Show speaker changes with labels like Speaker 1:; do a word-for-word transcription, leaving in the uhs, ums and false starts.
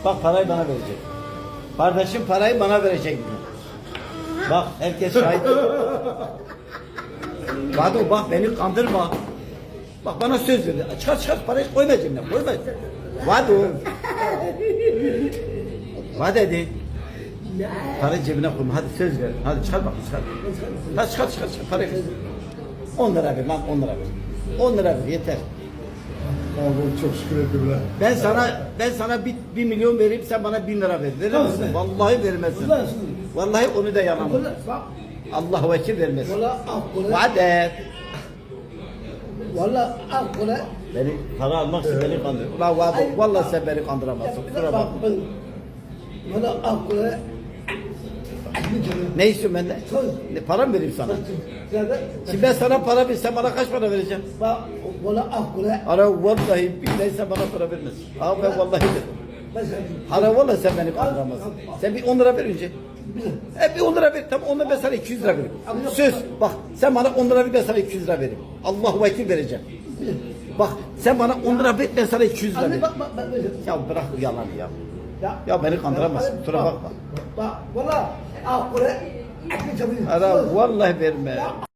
Speaker 1: Bak parayı bana verecek. Kardeşim parayı bana verecek. Bak herkes şahit. Vado bak beni kandırma. Bak bana söz verdi. Çıkar çıkar parayı koyma cebine. Koyma. Vado. Va dedi. Parayı cebine koyma. Hadi söz ver. Hadi çıkar bak çıkar. Hadi çıkar çıkar çıkar. Parayı ver. on lira ver lan on lira ver. on lira ver yeter.
Speaker 2: Abi çok şükür ettim lan.
Speaker 1: Ben sana ben sana bir, bir milyon vereyim sen bana bin lira ver. Verir misin? Vallahi vermezsin. Vallahi onu da yalan. Allah vekil vermesin. Vade.
Speaker 3: Valla akla
Speaker 1: Beni para almak için beni kandır. Ulan vade. Vallahi sen beni kandıramazsın. Kusura bakma.
Speaker 3: Valla akla
Speaker 1: Ne istiyorsun benden? Ne, para mı vereyim sana? Şimdi ben sana para vereyim. Sen bana kaç para vereceksin?
Speaker 3: Valla akla
Speaker 1: Ara vallahi billahi sen bana para vermezsin. Abi ben vallahi dedim. Ara vallahi sen beni kandıramazsın. Sen bir on lira ver önce. E bir on lira ver. Tamam ondan ben sana iki yüz lira vereyim. Söz. Bak sen bana on lira ver ben sana iki yüz lira vereyim. Allahu vekil vereceğim. Bak sen bana on lira ver ben sana iki yüz lira vereyim. Ya bırak bu yalanı ya. Ya beni kandıramazsın. Kusura bakma.
Speaker 3: Valla akla
Speaker 1: Ara vallahi verme.